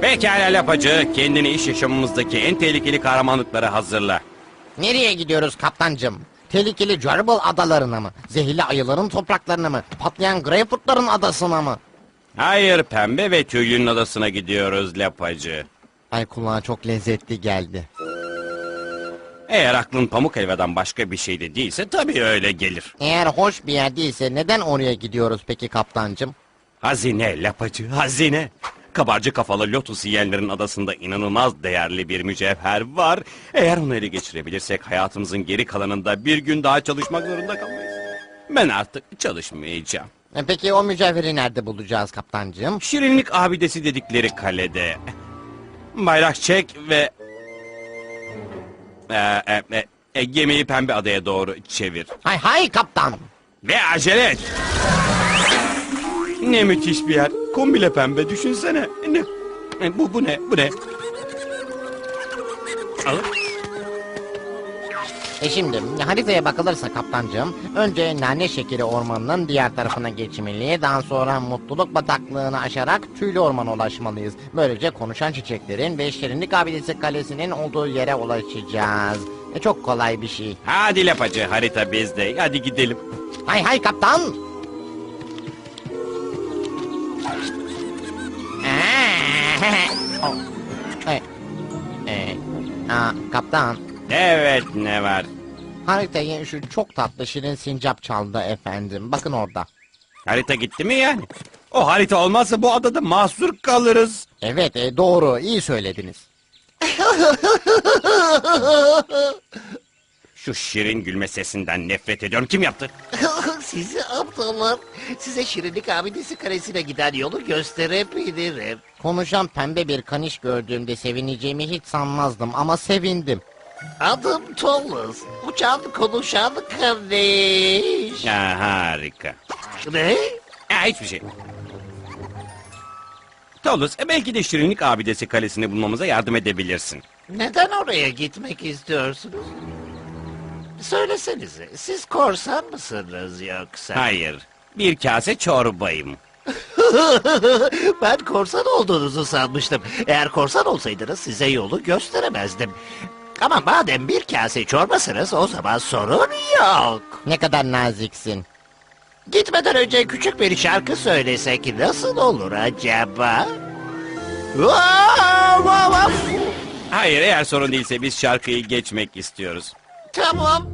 Pekala lapacı, kendini iş yaşamımızdaki en tehlikeli kahramanlıklara hazırla. Nereye gidiyoruz kaptancım? Tehlikeli Jarble adalarına mı? Zehirli ayıların topraklarına mı? Patlayan Greyfurtların adasına mı? Hayır, pembe ve tüylünün adasına gidiyoruz lapacı. Ay, kulağa çok lezzetli geldi. Eğer aklın pamuk helvadan başka bir şey de değilse tabii öyle gelir. Eğer hoş bir yer değilse neden oraya gidiyoruz peki kaptancım? Hazine lapacı, hazine. Kabarcık kafalı lotus yiyenlerin adasında inanılmaz değerli bir mücevher var. Eğer onu ele geçirebilirsek hayatımızın geri kalanında bir gün daha çalışmak zorunda kalmayız. Ben artık çalışmayacağım. Peki o mücevheri nerede bulacağız kaptancım? Şirinlik abidesi dedikleri kalede. Bayrak çek ve... gemiyi pembe adaya doğru çevir. Hay hay kaptan. Ve acele et. Ne müthiş bir yer. Kombile pembe, düşünsene. Bu ne? Bu ne? Al. Şimdi haritaya bakılırsa kaptancığım, önce Nane Şekeri Ormanı'nın diğer tarafına geçmeli, daha sonra Mutluluk Bataklığı'nı aşarak Tüylü Orman'a ulaşmalıyız. Böylece konuşan çiçeklerin ve Şirinlik Abidesi Kalesi'nin olduğu yere ulaşacağız. Çok kolay bir şey. Hadi lapacı, harita bizde. Hadi gidelim. Hay hay kaptan. Kaptan. Evet, ne var? Haritayı şu çok tatlı şirin sincap çaldı efendim. Bakın orada. Harita gitti mi yani? O harita olmazsa bu adada mahsur kalırız. Evet, doğru, iyi söylediniz. Şu şirin gülme sesinden nefret ediyorum. Kim yaptı? Sizi aptallar. Size Şirinlik Abidesi Kalesi'ne giden yolu gösterebilirim. Konuşan pembe bir kaniş gördüğümde sevineceğimi hiç sanmazdım ama sevindim. Adım Thomas. Uçan konuşan kardeş. Ya, harika. Ne? Hiçbir şey. Tolus, belki de Şirinlik Abidesi Kalesi'ni bulmamıza yardım edebilirsin. Neden oraya gitmek istiyorsunuz? Söylesenize, siz korsan mısınız yoksa? Hayır, bir kase çorbayım. Ben korsan olduğunuzu sanmıştım. Eğer korsan olsaydınız size yolu gösteremezdim. Ama madem bir kase çorbasınız o zaman sorun yok. Ne kadar naziksin. Gitmeden önce küçük bir şarkı söylesek nasıl olur acaba? Vav, vav, vav. Hayır, eğer sorun değilse biz şarkıyı geçmek istiyoruz. Tamam.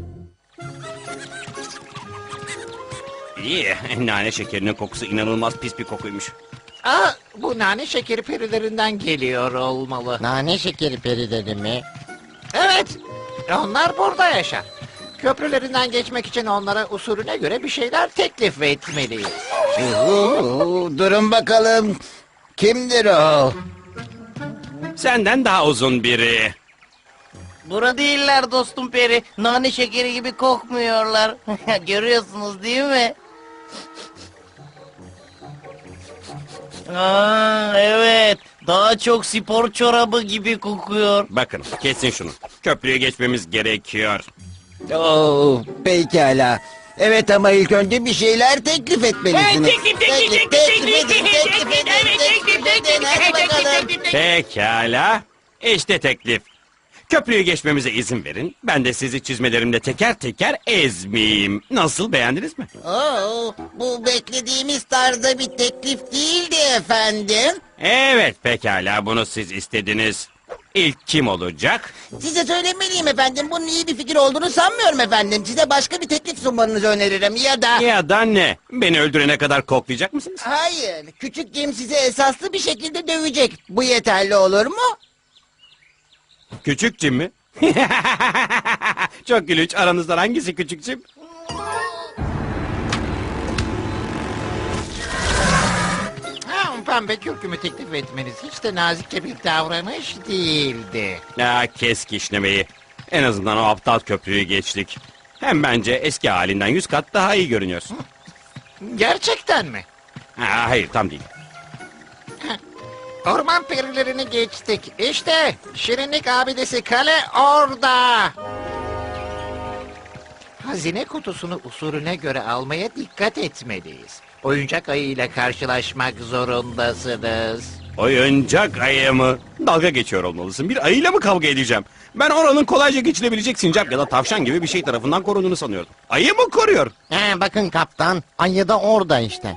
İyi, nane şekerinin kokusu inanılmaz pis bir kokuymuş. Bu nane şekeri perilerinden geliyor olmalı. Nane şekeri perileri mi? Evet, onlar burada yaşar. Köprülerinden geçmek için onlara usulüne göre bir şeyler teklif etmeliyiz. Durun bakalım. Kimdir o? Senden daha uzun biri. Bura değiller dostum peri. Nane şekeri gibi kokmuyorlar. Görüyorsunuz değil mi? Evet. Daha çok spor çorabı gibi kokuyor. Bakın, kesin şunu. Köprüye geçmemiz gerekiyor. Pekala. Evet ama ilk önce bir şeyler teklif etmelisiniz. Teklif edin. Hadi bakalım. Pekala. İşte teklif. Köprüyü geçmemize izin verin. Ben de sizi çizmelerimle teker teker ezmeyeyim. Nasıl, beğendiniz mi? Bu beklediğimiz tarzda bir teklif değildi efendim. Evet, pekala, bunu siz istediniz. İlk kim olacak? Size söylemeliyim efendim. Bunun iyi bir fikir olduğunu sanmıyorum efendim. Size başka bir teklif sunmanızı öneririm ya da... Ya da ne? Beni öldürene kadar koklayacak mısınız? Hayır. Küçük Jim sizi esaslı bir şekilde dövecek. Bu yeterli olur mu? Küçük Jim mi? Çok gülünç. Aranızdan hangisi küçük Jim? Pembe kürkümü teklif etmeniz hiç de nazikçe bir davranış değildi. Kes kişnemeyi. En azından o aptal köprüyü geçtik. Hem bence eski halinden 100 kat daha iyi görünüyorsun. Gerçekten mi? Hayır, tam değil. Orman perilerini geçtik. İşte Şirinlik Abidesi Kale orada. Hazine kutusunu usulüne göre almaya dikkat etmeliyiz. Oyuncak ayı ile karşılaşmak zorundasınız. Oyuncak ayı mı? Dalga geçiyor olmalısın. Bir ayıyla mı kavga edeceğim? Ben oranın kolayca geçilebilecek sincap ya da tavşan gibi bir şey tarafından korunduğunu sanıyordum. Ayı mı koruyor? Bakın kaptan, ayı da orada işte.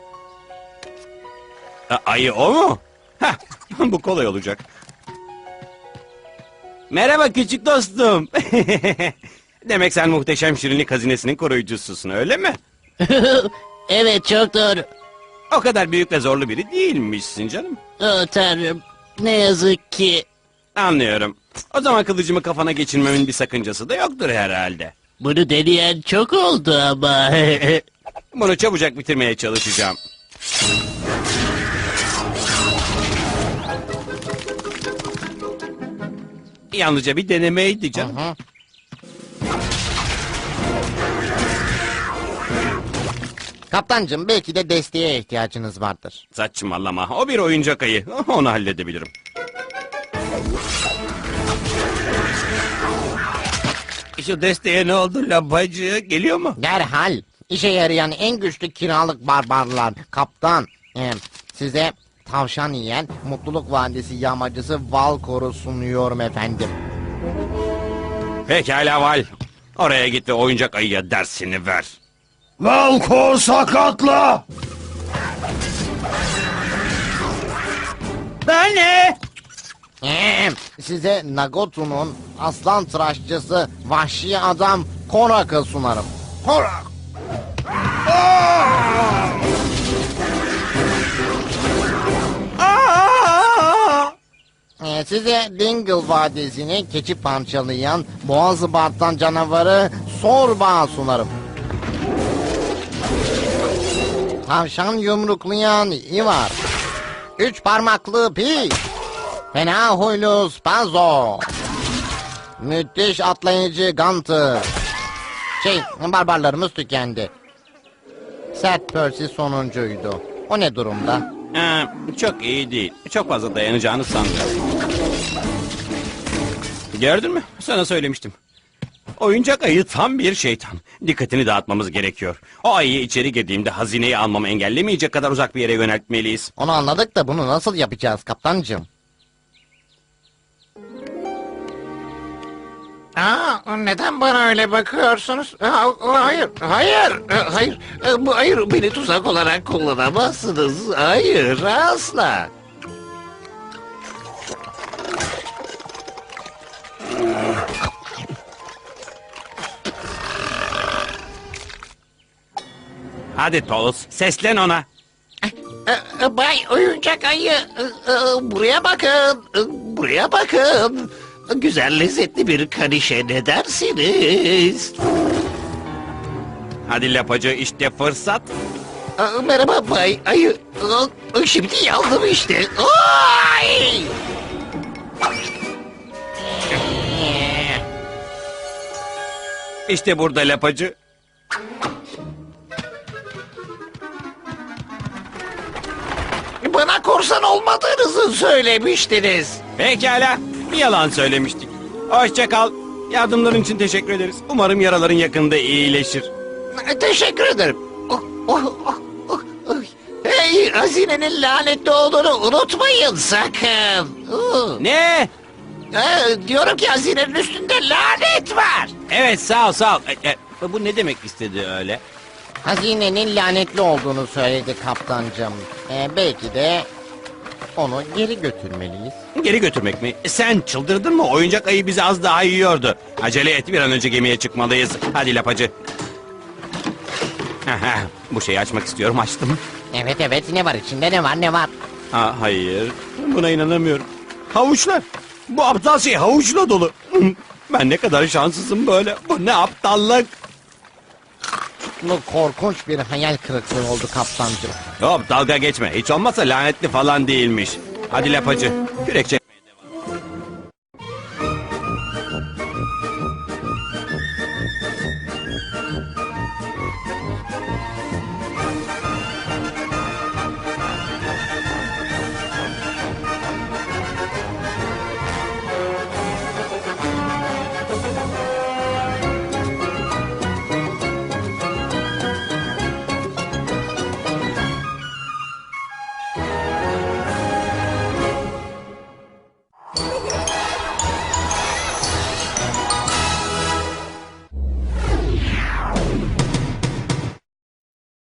Ayı o mu? Heh, bu kolay olacak. Merhaba küçük dostum. Demek sen muhteşem şirinlik hazinesinin koruyucususun öyle mi? Evet, çok doğru. O kadar büyük ve zorlu biri değilmişsin canım. Tanrım, ne yazık ki. Anlıyorum. O zaman kılıcımı kafana geçirmemin bir sakıncası da yoktur herhalde. Bunu deneyen çok oldu ama. Bunu çabucak bitirmeye çalışacağım. Yalnızca bir denemeydi canım. Hı. Kaptancım, belki de desteğe ihtiyacınız vardır. Saçmalama. O bir oyuncak ayı. Onu halledebilirim. Şu desteğe ne oldu labacı? Geliyor mu? Derhal işe yarayan en güçlü kiralık barbarlar. Kaptan, size tavşan yiyen Mutluluk Vadisi yağmacısı Valkor'u sunuyorum efendim. Pekala Val. Oraya git ve oyuncak ayıya dersini ver. Valkor sakatla! Ben ne? Size Nagotu'nun aslan tıraşçısı vahşi adam Korak'ı sunarım. Korak! Size Dingle Vadisi'ni keçi parçalayan boğazı bartan canavarı Sorba sunarım. Tavşan yumruklayan Ivar. 3 parmaklı Pi. Fena huylu Spazo. Müthiş atlayıcı Gunter. Barbarlarımız tükendi. Sert Percy sonuncuydu. O ne durumda? Çok iyi değil. Çok fazla dayanacağını sanmıyorum. Gördün mü? Sana söylemiştim. Oyuncak ayı tam bir şeytan. Dikkatini dağıtmamız gerekiyor. O ayıyı içeri girdiğimde hazineyi almamı engellemeyecek kadar uzak bir yere yöneltmeliyiz. Onu anladık da bunu nasıl yapacağız kaptancığım? Neden bana öyle bakıyorsunuz? Hayır, hayır, hayır. Hayır, beni tuzak olarak kullanamazsınız. Hayır, asla. Hadi Tolus, seslen ona. Bay oyuncak ayı, buraya bakın, buraya bakın. Güzel lezzetli bir kanişe ne dersiniz? Hadi lapacı, işte fırsat. Merhaba Bay Ayı. Şimdi yandım işte. Ay! İşte burada lapacı. Bana korsan olmadığınızı söylemiştiniz. Pekala, yalan söylemiştik. Hoşça kal. Yardımların için teşekkür ederiz. Umarım yaraların yakında iyileşir. Teşekkür ederim. Hey, hazinenin lanetli olduğunu unutmayın sakın. Ne? Diyorum ki hazinenin üstünde lanet var. Evet, sağ ol, sağ ol. Bu ne demek istedi öyle? Hazinenin lanetli olduğunu söyledi kaptancığım. Belki de onu geri götürmeliyiz. Geri götürmek mi? Sen çıldırdın mı? Oyuncak ayı bizi az daha yiyordu. Acele et, bir an önce gemiye çıkmalıyız. Hadi lapacı. Bu şeyi açmak istiyorum, açtım. Evet, ne var içinde, ne var? Hayır, buna inanamıyorum. Havuçlar. Bu aptal şey havuçla dolu. Ben ne kadar şanssızım böyle. Bu ne aptallık. Bu korkunç bir hayal kırıklığı oldu kaptancığım. Hop, dalga geçme. Hiç olmazsa lanetli falan değilmiş. Hadi lapacı. Kürekçe